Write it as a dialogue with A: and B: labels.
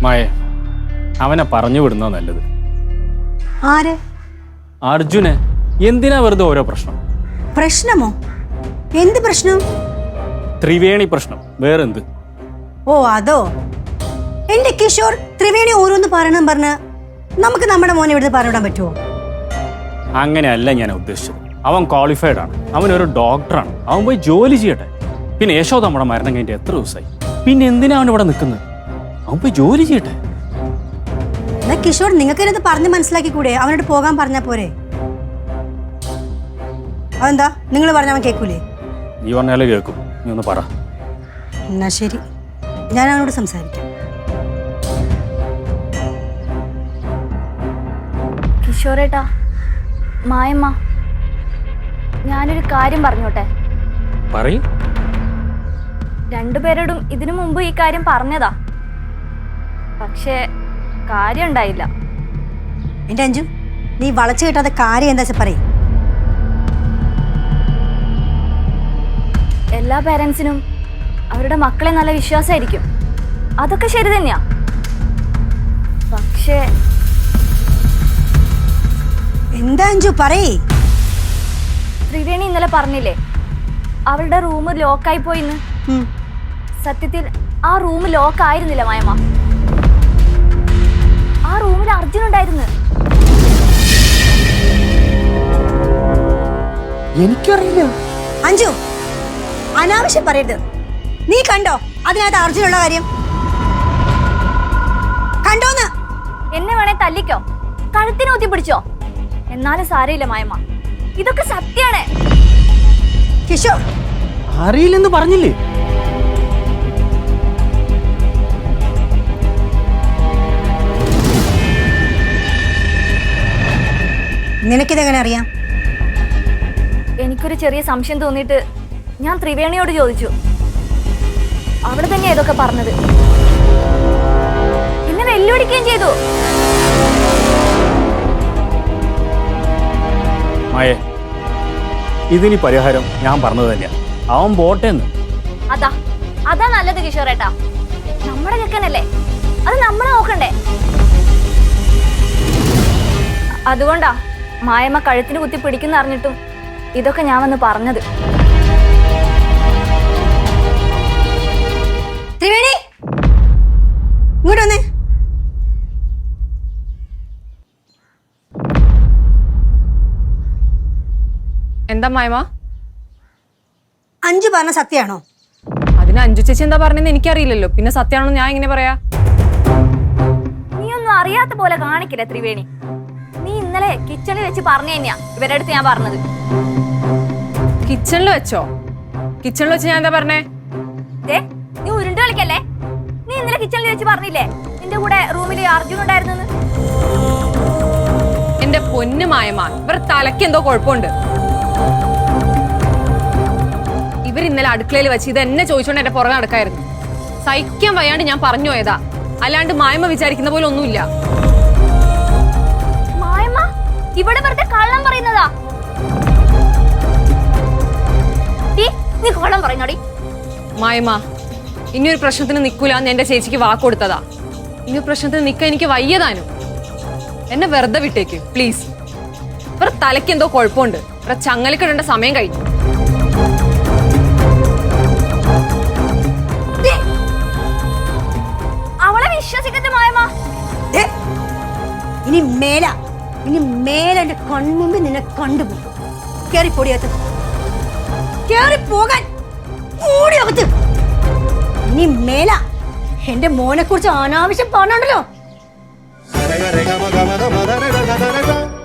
A: മായ അവനെ പറഞ്ഞു വിടുന്ന നല്ലത്.
B: ആര്?
A: അർജുനെ. എന്തിനാ വെറുതെ ഓരോ പ്രശ്നം?
B: പ്രശ്നമോ? എന്ത് പ്രശ്നം?
A: ത്രിവേണി പ്രശ്നം, വേറെന്ത്?
B: ഓ അതോ? എന്റെ കിഷോർ ത്രിവേണി ഓരോന്ന് പറഞ്ഞ് നമുക്ക് നമ്മുടെ മോനെ ഇവിടുന്ന് പറഞ്ഞിടാൻ പറ്റുമോ?
A: അങ്ങനെയല്ല ഞാൻ ഉദ്ദേശിച്ചത്. അവൻ ക്വാളിഫൈഡ് ആണ്, അവനൊരു ഡോക്ടറാണ്, അവൻ പോയി ജോലി ചെയ്യട്ടെ. പിന്നെ യശോദ നമ്മുടെ മരണം കഴിഞ്ഞിട്ട് എത്ര ദിവസമായി? പിന്നെ എന്തിനാ അവൻ ഇവിടെ നിൽക്കുന്നത്? അവൻ പോയി ജോലി ചെയ്യട്ടെ.
B: എന്നാ കിഷോർ നിങ്ങൾക്ക് പറഞ്ഞ് മനസ്സിലാക്കി കൂടെ? അവനോട് പോകാൻ പറഞ്ഞാ പോരെ? അതെന്താ നിങ്ങൾ പറഞ്ഞ അവൻ കേൾക്കൂലേ?
A: നീ പറഞ്ഞാലേ കേൾക്കും. നീ ഒന്ന് പറ.
B: എന്നാ ശരി, ഞാൻ അവനോട് സംസാരിക്കാം.
C: കിഷോറേട്ടാ, മായമ്മ, ഞാനൊരു കാര്യം പറഞ്ഞോട്ടെ?
A: പറയ്.
C: രണ്ടുപേരോടും ഇതിനു മുമ്പ് ഈ കാര്യം പറഞ്ഞതാ, പക്ഷേ കാര്യം ഉണ്ടായില്ല.
B: എന്റെ അഞ്ജു, നീ വളച്ചു കിട്ടാത്ത കാര്യം എന്താ പറയും?
C: എല്ലാ പേരൻസിനും അവരുടെ മക്കളെ നല്ല വിശ്വാസമായിരിക്കും, അതൊക്കെ ശരി തന്നെയാ. പക്ഷേ
B: എന്താ അഞ്ജു പറയേ?
C: ത്രിവേണി ഇന്നലെ പറഞ്ഞില്ലേ അവളുടെ റൂം ലോക്കായി പോയിന്ന്? സത്യത്തിൽ ആ റൂം ലോക്ക് ആയിരുന്നില്ല മായമ്മ, ആ റൂമിൽ അർജുൻ ഉണ്ടായിരുന്നു.
A: എനിക്കറിയില്ല.
B: അഞ്ജു, അനാവശ്യം പറയരുത്. നീ കണ്ടോ അതിനകത്ത് അർജുനുള്ള കാര്യം? കണ്ടോന്ന്?
C: എന്നെ വേണേ തല്ലിക്കോ, കഴുത്തിന് ഊത്തി പിടിച്ചോ, എന്നാലും സാരയില്ല മായമ്മ, ഇതൊക്കെ സത്യാണ്.
B: കിഷോർ
A: അറിയില്ലെന്ന് പറഞ്ഞില്ലേ?
B: നിനക്കിതെങ്ങനെ അറിയാം?
C: എനിക്കൊരു ചെറിയ സംശയം തോന്നിയിട്ട് ഞാൻ ത്രിവേണിയോട് ചോദിച്ചു. അവിടെ തന്നെയാ ഇതൊക്കെ പറഞ്ഞത്. എന്നെ വെല്ലുവിളിക്കുകയും ചെയ്തു.
A: മായേ, ഇതിനി പരിഹാരം ഞാൻ പറഞ്ഞത് തന്നെയാ. അവൻ പോട്ടേന്ന്.
C: അതാ നല്ലത് കിഷോറേട്ടാ. നമ്മുടെ ചെക്കനല്ലേ, അത് നമ്മളെ നോക്കണ്ടേ? അതുകൊണ്ടാ മായമ്മ കഴുത്തിന് കുത്തി പിടിക്കുന്ന അറിഞ്ഞിട്ടും ഇതൊക്കെ ഞാൻ വന്ന് പറഞ്ഞത്.
B: ത്രിവേണി, ഇങ്ങോട്ട് വന്നേ.
D: എന്താ മായമ്മ?
B: അഞ്ജു പറഞ്ഞ സത്യാണോ?
D: അതിന് അഞ്ജു ചേച്ചി എന്താ പറഞ്ഞെന്ന് എനിക്കറിയില്ലല്ലോ, പിന്നെ സത്യമാണോ ഞാൻ എങ്ങനെ പറയാ?
C: നീ ഒന്നും അറിയാത്ത പോലെ കാണിക്കില്ല ത്രിവേണി. നീ ഇന്നലെ കിച്ചണിൽ വെച്ച് പറഞ്ഞു തന്നെയാ ഇവരുടെ അടുത്ത് ഞാൻ പറഞ്ഞത്.
D: കിച്ചണിൽ വെച്ചോ? കിച്ചണിൽ വെച്ച് ഞാൻ എന്താ പറഞ്ഞേ?
C: നീ ഉരുണ്ട് കളിക്കല്ലേ? നീ ഇന്നലെ കിച്ചണിൽ വെച്ച് പറഞ്ഞില്ലേ നിന്റെ കൂടെ റൂമിൽ അർജുൻ ഉണ്ടായിരുന്നു?
D: എന്റെ പൊന്നു മായമ്മ, ഇവർ തലയ്ക്ക് എന്തോ കുഴപ്പമുണ്ട്. ഇവർ ഇന്നലെ അടുക്കളയിൽ വെച്ച് ഇത് എന്നെ ചോദിച്ചോണ്ട് എന്റെ പുറകെ നടക്കായിരുന്നു. സഹിക്കാൻ വയ്യാണ്ട് ഞാൻ പറഞ്ഞു പോയതാ, അല്ലാണ്ട് മായമ്മ വിചാരിക്കുന്ന പോലെ ഒന്നുമില്ല.
C: മായമ്മ ഇവിടെ വെറുതെ കള്ളം പറയുന്നതാ. നീ കള്ളം പറയുന്നോടി.
D: മായമ്മ, ഇനിയൊരു പ്രശ്നത്തിന് നിൽക്കൂലെന്ന് എന്റെ ചേച്ചിക്ക് വാക്ക് കൊടുത്തതാ. ഇനി പ്രശ്നത്തിന് നിൽക്കാൻ എനിക്ക് വയ്യതാനും. എന്നെ വെറുതെ വിട്ടേക്ക് പ്ലീസ്. ഇവർ തലയ്ക്ക് എന്തോ കുഴപ്പമുണ്ട്. ഇവരെ ചങ്ങലക്കിടേണ്ട സമയം കഴിഞ്ഞു.
C: അവളെ വിശ്വസിക്കട്ടെ മായമ്മ.
B: ഇനി മേല എന്റെ കൺമുമ്പിൽ നിന്നെ കണ്ടുപോകും. കേറിപ്പോടിയകത്ത്, കേറിപ്പോകാൻ ഓടിയകത്ത്. ഇനി മേല എന്റെ മോനെ കുറിച്ച് അനാവശ്യം പറഞ്ഞോണ്ടല്ലോ.